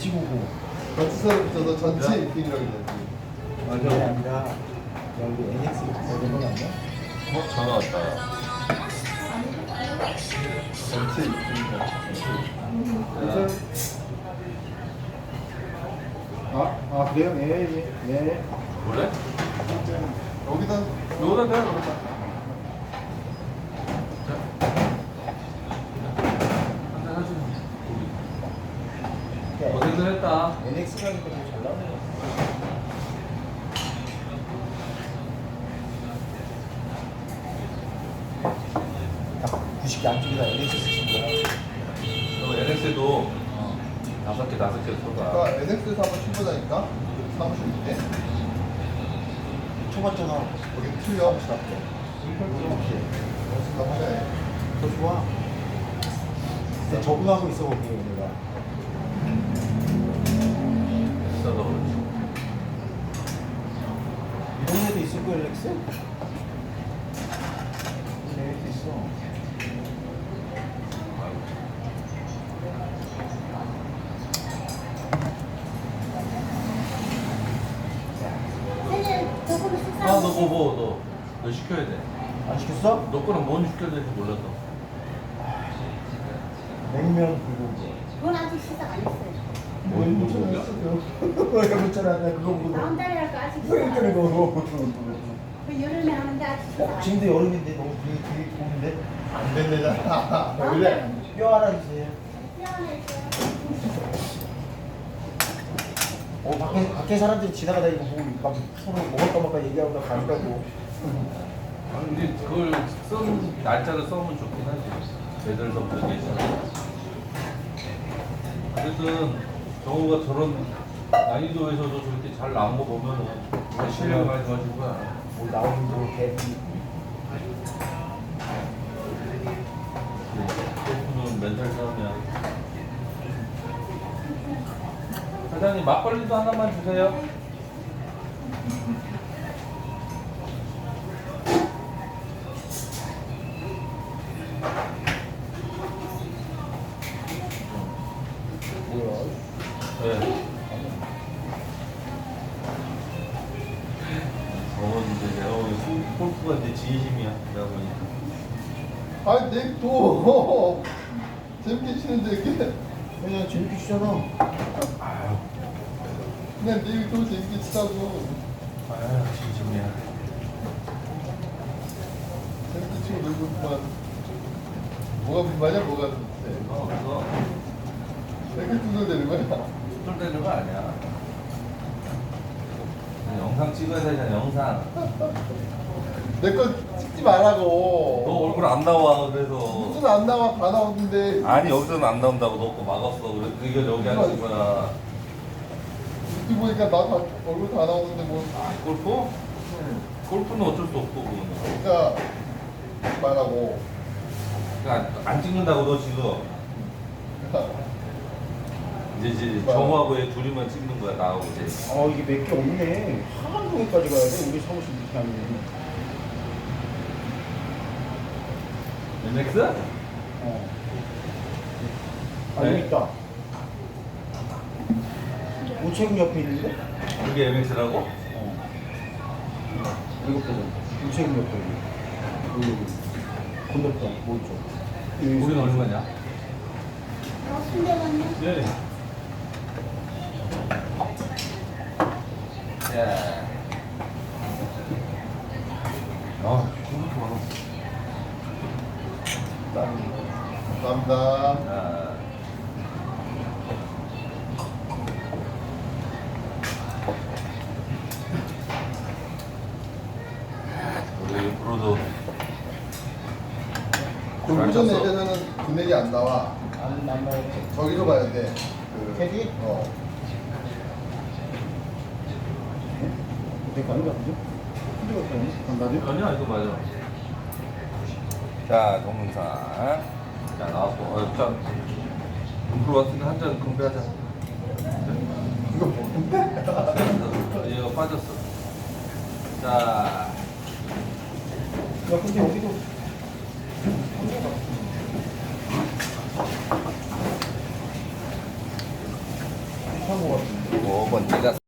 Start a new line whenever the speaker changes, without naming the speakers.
H99.
버스를 붙여서 전체 입힌이라고 되지.
그게 아니라 여기 NX 버전은 아니야?
전화 왔다.
전체 입힌이다.
그래요? 네.
그래?
여기다
여기다 대야 그렇다. 한잔 하지. 고생들 했다.
NX가 하니까 잘 나오네. 딱 90개 안쪽에다 NX 쓰신 거야.
너 NX도 5개 쏟아.
아까 NX에서 한번 출근하니까 사무실 있대.
쳐봤잖아.
여기 틀려. 이렇게. 하네.
더 좋아. 근데 적응하고 있어 거기 내가.
비싸서 그렇지.
이 동네도 있을 거야 NX? NX 있어.
너 뭐, 너 시켜야 돼.
안 시켰어?
너 거는 뭔 시켜야 될지 몰라서.
냉면 불고기.
그건 아직 시작 안 했어요.
뭐 문자를 왜 문자를 안 해? 그거 보고.
다음 달이랄까 아직 시작
왜
안
문자를
했어요.
그거.
그 여름에 하는데 아직 시작 안 했어요.
지금도 여름인데 너무 되게 더운데?
안 된대잖아.
원래 뼈 하나 주세요.
미안해.
밖에 사람들이 지나가다 이거 보고 막 서로 먹을까 말까 얘기하고 가니까고.
아니, 근데 그걸 날짜를 써면 좋긴 하지. 애들서부터 계시는. 어쨌든 정우가 저런 난이도에서도 저렇게 잘 나온 거 보면은 정말 실력이 많이 좋아진 거야.
뭐 나오는 거 개비.
골프는 멘탈 싸움이야. 사장님 막걸리도 하나만 주세요.
뭐야?
네. 이제 내가 보기 골프가 이제 진심이야. 내가 보니까.
아니, 또 재밌게 치는데 이렇게.
그냥 재밌게 치잖아.
그냥 내일 또 재밌게 치자고.
아유 진심이야.
재밌게 치고 놀고 그만. 뭐가 불만이야, 뭐가 불만.
그거
이렇게 두들대는 거야.
뚫대는 거 아니야. 영상 찍어야 되잖아. 영상.
내 거 찍지 말라고.
너 얼굴 안 나와 그래서.
무슨 안 나와, 다 나오는데.
아니 여기서는 안 나온다고 너 거 막았어. 그래서 이거 여기 하는 거야.
이렇게 보니까 나 얼굴 다 나오는데 뭐.
골프? 골프는 어쩔 수 없고 그거는.
그러니까 말하고.
그러니까 안 찍는다고 너 지금. 이제 정우하고 얘 둘이만 찍는 거야 나하고 이제.
이게 몇 개 없네. 하간동에까지 가야 돼. 우리 사무실 이렇게 하면.
MX?
여기
네.
있다. 우체국 옆에 있는데?
그게 MX라고?
이거 보자. 우체국 옆에 여기. 건너편 뭐 있죠?
우리는 얼마냐?
순대 갔네.
네. 야. 이렇게 많아.
감사합니다.
아. 우리 프로도
골프전 앱에서는 금액이 안 나와.
안 나와요.
저기로 가야 돼.
캐디? 내 가는 거 아니죠? 근데 어떠니? 간다죠?
아니야 이거 맞아. 자 동영상. 자 나왔고. 자 눈으로 왔으니까 한 잔 건배하자.
이거 뭔데?
얘가 빠졌어. 자.
야 근데 여기도 비슷한 거 같은데.
5번 네가